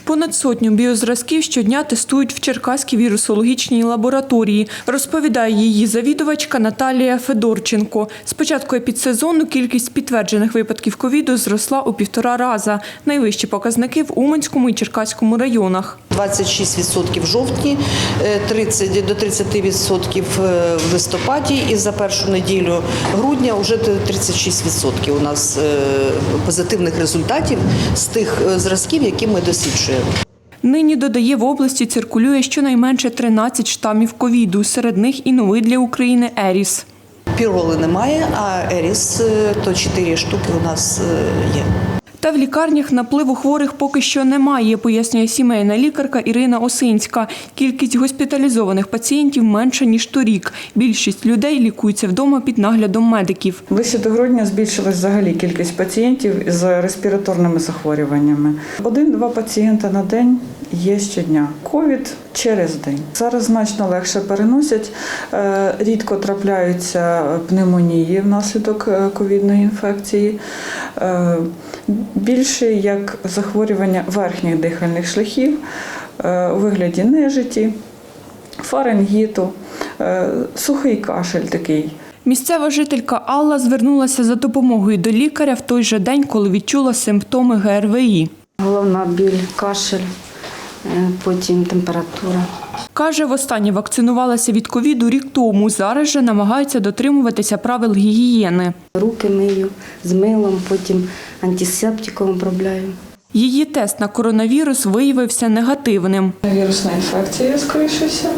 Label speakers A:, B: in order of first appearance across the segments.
A: Понад сотню біозразків щодня тестують в Черкаській вірусологічній лабораторії, розповідає її завідувачка Наталія Федорченко. З початку епідсезону кількість підтверджених випадків ковіду зросла у 1,5 рази. Найвищі показники в Уманському і Черкаському районах.
B: 26% в жовтні, 30 до 30% в листопаді і за першу неділю грудня вже 36% у нас позитивних результатів з тих зразків, які ми досліджуємо.
A: Нині, додає, в області циркулює щонайменше 13 штамів ковіду, серед них і новий для України Еріс.
B: Піроли немає, а Еріс то 4 штуки у нас є.
A: Та в лікарнях напливу хворих поки що немає, пояснює сімейна лікарка Ірина Осинська. Кількість госпіталізованих пацієнтів менша, ніж торік. Більшість людей лікуються вдома під наглядом медиків.
C: Ближче до грудня збільшилась взагалі кількість пацієнтів з респіраторними захворюваннями. 1-2 пацієнта на день є щодня. Ковід через день. Зараз значно легше переносять. Рідко трапляються пневмонії внаслідок ковідної інфекції. Більше як захворювання верхніх дихальних шляхів у вигляді нежиті, фарингіту, сухий кашель такий.
A: Місцева жителька Алла звернулася за допомогою до лікаря в той же день, коли відчула симптоми ГРВІ.
D: Головна біль, кашель, потім температура.
A: Каже, востаннє вакцинувалася від ковіду рік тому. Зараз же намагаються дотримуватися правил гігієни.
D: Руки мию з милом, потім антисептиком обробляю.
A: Її тест на коронавірус виявився негативним.
C: Вірусна інфекція, скоріше всього.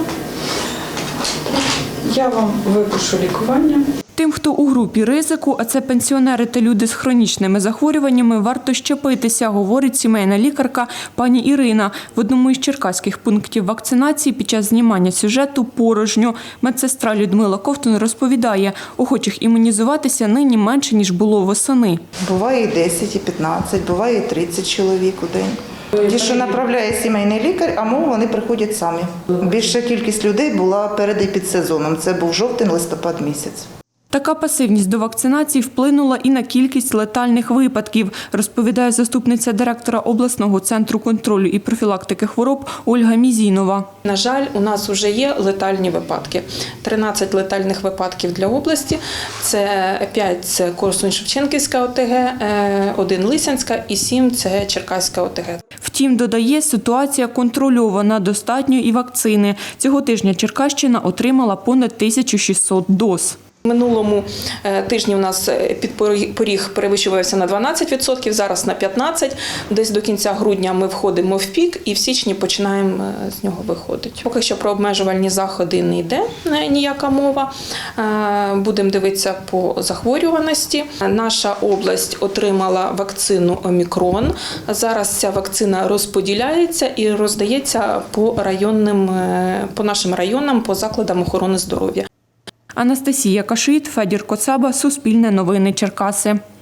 C: Я вам випишу лікування.
A: Тим, хто у групі ризику, а це пенсіонери та люди з хронічними захворюваннями, варто щепитися, говорить сімейна лікарка пані Ірина. В одному із черкаських пунктів вакцинації під час знімання сюжету порожньо. Медсестра Людмила Ковтун розповідає, охочих імунізуватися нині менше, ніж було восени.
E: Буває і 10, і 15, буває і 30 чоловік у день. Ті, що направляє сімейний лікар, а вони приходять самі. Більша кількість людей була перед епідсезоном. Це був жовтень-листопад місяць.
A: Така пасивність до вакцинації вплинула і на кількість летальних випадків, розповідає заступниця директора обласного центру контролю і профілактики хвороб Ольга Мізінова.
F: На жаль, у нас вже є летальні випадки. 13 летальних випадків для області. Це 5 – це Корсунь-Шевченківська ОТГ, 1 – Лисянська і 7 – це Черкаська ОТГ.
A: Втім, додає, ситуація контрольована, достатньо і вакцини. Цього тижня Черкащина отримала понад 1600 доз.
F: Минулому тижні у нас підпоріг перевищувався на 12%, зараз на 15%. Десь до кінця грудня ми входимо в пік і в січні починаємо з нього виходити. Поки що про обмежувальні заходи не йде ніяка мова. Будемо дивитися по захворюваності. Наша область отримала вакцину Омікрон. Зараз ця вакцина розподіляється і роздається по нашим районам, по закладам охорони здоров'я.
A: Анастасія Кашит, Федір Коцаба, Суспільне новини Черкаси.